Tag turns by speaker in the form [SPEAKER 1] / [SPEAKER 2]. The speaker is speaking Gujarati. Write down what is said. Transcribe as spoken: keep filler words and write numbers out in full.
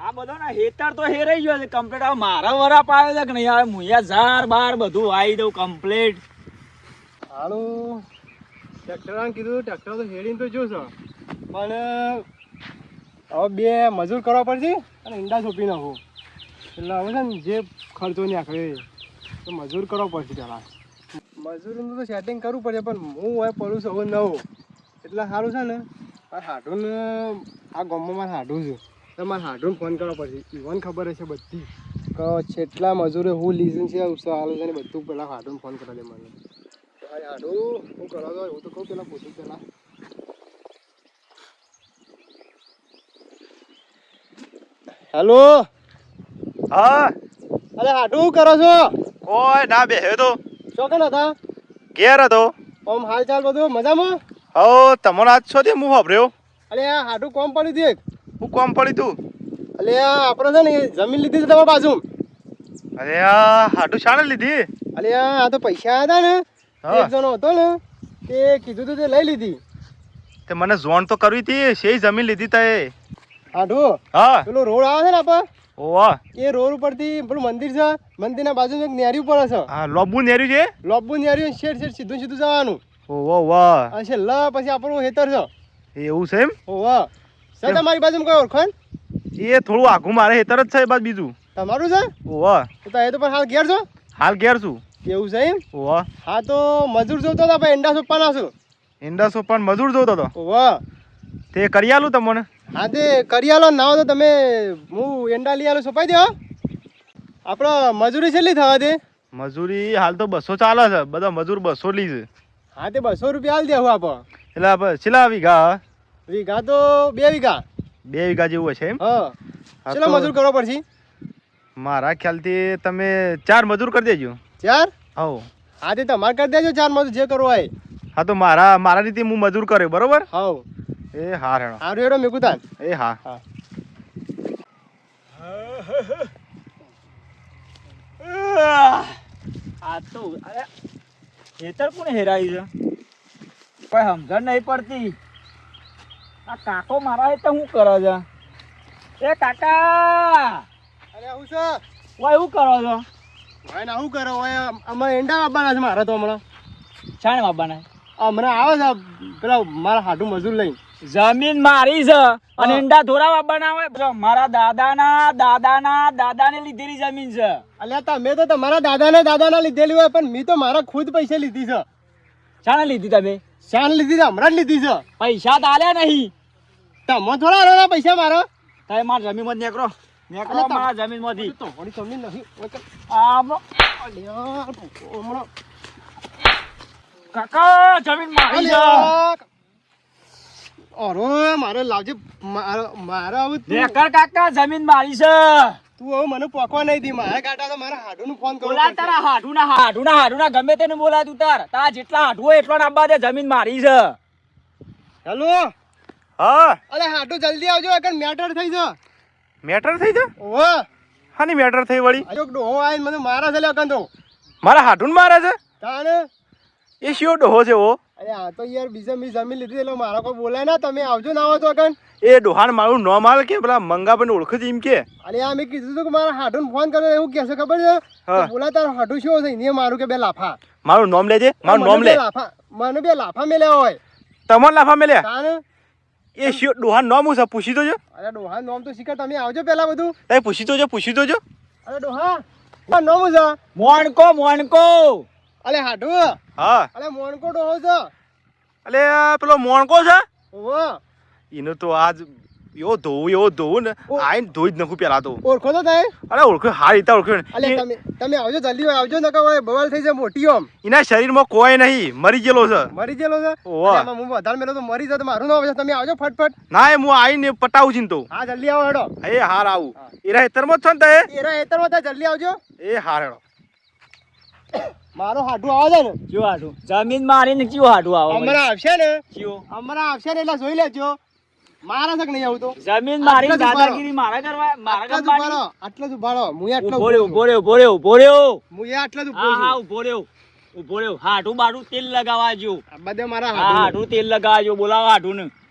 [SPEAKER 1] આ બધો ના હેતર તો હેરાઈ ગયો છે કમ્પ્લીટ. આ મારા વરા પાવે છે કે નહીં આવે મુયા ઝાર બાર બધું આવી દઉં કમ્પ્લીટ.
[SPEAKER 2] હાલું ટ્રેક્ટરાને કીધું ટ્રેક્ટર તો હેડીને તો જોશો પણ હવે બે મજૂર કરવા પડશે અને ઈંડા સોંપી નાખું એટલે હવે છે ને જે ખર્ચો નહીં આખરે તો મજૂર કરવો પડશે પહેલાં. મજૂરનું તો સેટિંગ કરવું પડે પણ હું હવે પડું છું હવે નવો એટલે સારું છે ને મારે હાડુને આ ગામમાં મારે હાડું છું તો મારે હાડુને ફોન કરવો પડશે. ઈવન ખબર હશે બધી કે કેટલા મજૂરે હું લીઝન છે હાલું છે ને બધું પહેલાં હાડુને ફોન કરવા દે મને. હાડું હું કરવા દો હું તો કહું પેલા પૂછું પેલા. હેલો
[SPEAKER 3] હા
[SPEAKER 2] અરે હાડું શું કરો છો?
[SPEAKER 3] કોઈ ના બેહ્યો તો
[SPEAKER 2] શું કેમ હતા?
[SPEAKER 3] ઘેર હતો.
[SPEAKER 2] આમ હાલ ચાલ બધું મજામાં?
[SPEAKER 3] હો તમારો આજ છો તે હું વાપર્યો.
[SPEAKER 2] અરે આ હાડું કોમ પડ્યું હતું એક.
[SPEAKER 3] હું કોમ પડી તું?
[SPEAKER 2] અરે આ આપણે છે ને જમીન લીધી છે તમારી બાજુ.
[SPEAKER 3] અરે આ હાડું શાણે લીધી?
[SPEAKER 2] અરે આ તો પૈસા હતા ને એક જણો હતો ને તે કીધું તું તે લઈ લીધી.
[SPEAKER 3] તે મને જોણ તો કરવી હતી શેય જમીન લીધી તે
[SPEAKER 2] હાડું
[SPEAKER 3] હા
[SPEAKER 2] પેલો રોડ આવે છે ને આપણે
[SPEAKER 3] ઓવા
[SPEAKER 2] એ રોડ ઉપરથી પેલું મંદિર છે મંદિરના બાજુમાં એક નેરી ઉપર છે.
[SPEAKER 3] હા લોબુ નેર્યું છે
[SPEAKER 2] લોબુ નેરી શેડ શેડ સીધું સીધું જવાનું.
[SPEAKER 3] ઓવા વાહ
[SPEAKER 2] અને છેલ્લા પછી આપણું હેતર છે.
[SPEAKER 3] એવું છે એમ?
[SPEAKER 2] ઓવા છે તમારી બાજુમાં કોઈ ઓળખાણ?
[SPEAKER 3] એ થોડું આઘું મારે હેતર જ છે બાદ બીજું
[SPEAKER 2] તમારું છે?
[SPEAKER 3] ઓવા
[SPEAKER 2] તો એ તો પણ હાલ ઘેર છો?
[SPEAKER 3] હાલ ઘેર છું.
[SPEAKER 2] એવું છે એમ?
[SPEAKER 3] ઓવા
[SPEAKER 2] હા તો મજૂર જોતો હતા ભાઈ એંડા સોંપવાના છું.
[SPEAKER 3] ઈંડા સોપાન મજૂર જોતો હતો
[SPEAKER 2] ઓવા
[SPEAKER 3] તે કરી આલું તમને?
[SPEAKER 2] હા તે કરી આલો ના હોય તો તમે હું એંડા લઈ આલો સોંપાઈ દો. આપણે મજૂરી કેટલી થવા દે?
[SPEAKER 3] મજૂરી હાલ તો બસો ચાલે છે બધા મજૂર બસો લી છે.
[SPEAKER 2] હા તે બસો રૂપિયા હાલ દેવું આપણે.
[SPEAKER 3] એટલે આપણે છેલ્લા વીઘા?
[SPEAKER 2] વીઘા તો બે વીઘા.
[SPEAKER 3] બે વીઘા જેવું હશે એમ?
[SPEAKER 2] હા
[SPEAKER 3] હા
[SPEAKER 2] ચલો
[SPEAKER 3] તો
[SPEAKER 2] મજૂર કરવો પડશે.
[SPEAKER 3] મારા ખ્યાલથી તમે ચાર મજૂર કરી દેજો.
[SPEAKER 2] ચાર?
[SPEAKER 3] હવ
[SPEAKER 2] હા તે તમારે કરી દેજો ચાર મજૂર જે કરવો હોય.
[SPEAKER 3] હા તો મારા મારા રીતે હું મજૂર કર્યો બરોબર.
[SPEAKER 2] હાવ
[SPEAKER 3] એ હા હેડો
[SPEAKER 2] હારું હેડો મેં કુતાન.
[SPEAKER 3] એ હા
[SPEAKER 2] હા
[SPEAKER 1] આ તો અરે હેતર કોને હેરાયું છે કોઈ સમજણ નહીં પડતી. આ કાકો મારા હેતર શું કરે છે? એ કાકા
[SPEAKER 2] અરે હું છે
[SPEAKER 1] ઓય શું કરો છો?
[SPEAKER 2] ભાઈ ના શું કરો હોય અમારે એંડા આપવાના છે મારે તો હમણાં.
[SPEAKER 1] શાણે બાબાને
[SPEAKER 2] હમણાં આવે છે પેલા મારા હાડું મજૂર લઈને.
[SPEAKER 1] જમીન મારી છે અને ઈંડા ધોરાવા બનાવે મારા દાદાના દાદાના દાદાને લીધેલી જમીન છે.
[SPEAKER 2] અલ્યા તમે તો તમારા દાદાને દાદાના લીધેલી હોય પણ મેં તો મારા ખુદ પૈસા લીધી છે.
[SPEAKER 1] શાણે લીધી તમે?
[SPEAKER 2] શાન લીધી છે હમણાં જ લીધી છે.
[SPEAKER 1] પૈસા તો આલ્યા નહીં.
[SPEAKER 2] તમે થોડા આલેલા પૈસા મારા?
[SPEAKER 1] તમે મારા જમીનમાં જ નીકળો નીકળો મારા જમીનમાંથી.
[SPEAKER 2] તો વળી તમને નહીં
[SPEAKER 1] આમ
[SPEAKER 2] અલ્યા હમણાં
[SPEAKER 1] કાકા જમીન મારી છે.
[SPEAKER 2] અરે મારે લાવજે મારે મારે હવે તું
[SPEAKER 1] નેકર કાકા જમીન મારી છે.
[SPEAKER 2] તું હવે મને પોકવા નહીં દી મારા કાટા તો મારા હાડુનું ફોન કરો.
[SPEAKER 1] બોલા તારા હાડુના હાડુના હાડુના ગમે તેને બોલા તું તાર તારા જેટલા હાડુ હોય એટલો નાબા દે જમીન મારી છે.
[SPEAKER 2] હેલો
[SPEAKER 3] હા
[SPEAKER 2] અરે હાડુ જલ્દી આવજો એકન મેટર થઈ છે.
[SPEAKER 3] મેટર થઈ જા?
[SPEAKER 2] ઓહો
[SPEAKER 3] હાની મેટર થઈ વળી?
[SPEAKER 2] આજો ડોહો આઈને મને મારા છે લે એકન તો.
[SPEAKER 3] મારા હાડુન મારે છે?
[SPEAKER 2] તાને
[SPEAKER 3] એ શિયો ડોહો છે ઓ?
[SPEAKER 2] અરે આ તો યાર બીજા મી જમીન લીધી એટલે મારા કોઈ બોલાય ના તમે આવજો ના આવો તો એકન.
[SPEAKER 3] એ ડોહાન મારું નો માલ કે પેલા મંગાભાઈ ઓળખે છે એમ કે?
[SPEAKER 2] અરે આ મેં કીધું હતું કે મારા હાડુને ફોન કર્યો એવું કહેશે ખબર છે?
[SPEAKER 3] હા.
[SPEAKER 2] બોલા તારો હાડુ શું છે ને મારું કે બે લાફા.
[SPEAKER 3] મારું નામ લેજે મારું
[SPEAKER 2] મને
[SPEAKER 3] નામ
[SPEAKER 2] બે
[SPEAKER 3] લે.
[SPEAKER 2] લાફા મને બે લાફા મેલ્યા હોય.
[SPEAKER 3] તમાર લાફા મેલ્યા?
[SPEAKER 2] તાને
[SPEAKER 3] એ શિયો ડોહાન નામ હું છે પૂછી દોજો.
[SPEAKER 2] અરે ડોહા નોમ તો શીખર તમે આવજો પેલા બધું.
[SPEAKER 3] તમે પૂછી દોજો પૂછી દોજો.
[SPEAKER 2] અરે ડોહા આ નોમ છે.
[SPEAKER 1] મોણકો મોણકો
[SPEAKER 2] અલે હાડુ
[SPEAKER 3] હા
[SPEAKER 2] અલે મોણકો ડોહો છે.
[SPEAKER 3] અલે આ પેલો મોણકો છે
[SPEAKER 2] ઓહો
[SPEAKER 3] એનો તો આજ એવો ધોવું એવો ધોવું ને
[SPEAKER 2] ઓ.
[SPEAKER 3] આઈને ધોઈ જ નાખું પેલા તો.
[SPEAKER 2] ઓળખો તો થાય?
[SPEAKER 3] અરે ઓળખ્યો હારી રીતે ઓળખ્યો
[SPEAKER 2] અલે
[SPEAKER 3] ને.
[SPEAKER 2] તમે તમે આવજો જલ્દી આવજો નકર હોય બવાલ થઈ જાય મોટી ઓમ.
[SPEAKER 3] એના શરીરમાં કોઈ નહીં મરી ગયેલો છે.
[SPEAKER 2] મરી ગયેલો છે?
[SPEAKER 3] ઓહો.
[SPEAKER 2] અલે આમાં હું વધારે મેલો તો મરી જાય તો મારું નામ આવશે. તમે આવજો ફટફટ.
[SPEAKER 3] ના એ હું આવીને પટાવું છું ને તો.
[SPEAKER 2] હા જલ્દી આવો હેડો.
[SPEAKER 3] એ હાર આવું
[SPEAKER 2] હા.
[SPEAKER 3] એરા હેતરમાં જ છો ને તે?
[SPEAKER 2] એરા હેતરમાં થાય જલ્દી આવજો.
[SPEAKER 3] એ હાર હેડો.
[SPEAKER 2] મારો હાડુ આવે છે ને
[SPEAKER 1] કયું હાડું? જમીન મારી ને કયું હાડું આવે?
[SPEAKER 2] હમણાં આવશે ને
[SPEAKER 1] કયું?
[SPEAKER 2] હમણાં આવશે ને એટલે જોઈ લેજો મારા તક નહીં આવું તો.
[SPEAKER 1] જમીન મારી
[SPEAKER 2] આટલા જ ઉભા રહો.
[SPEAKER 1] દાદાગીરી મારા કરવા મારા
[SPEAKER 2] આટલા જ
[SPEAKER 1] કરવાની?
[SPEAKER 2] ઉભા રહો, આટલા જ ઉભા રહો. મું આટલો
[SPEAKER 1] ઉભો રહ્યો ઉભો રહ્યો ઉભો રહ્યો ઉભો રહ્યો.
[SPEAKER 2] મું આટલા જ ઉભો
[SPEAKER 1] હા હા
[SPEAKER 2] છું.
[SPEAKER 1] ઉભો રહ્યો ઉભો રહ્યો. હાડું બાડું તેલ લગાવવા જો.
[SPEAKER 2] આ બધે મારા
[SPEAKER 1] હા
[SPEAKER 2] હાડુ
[SPEAKER 1] હાડું તેલ લગાવવા જો. બોલાવો હાડું ને.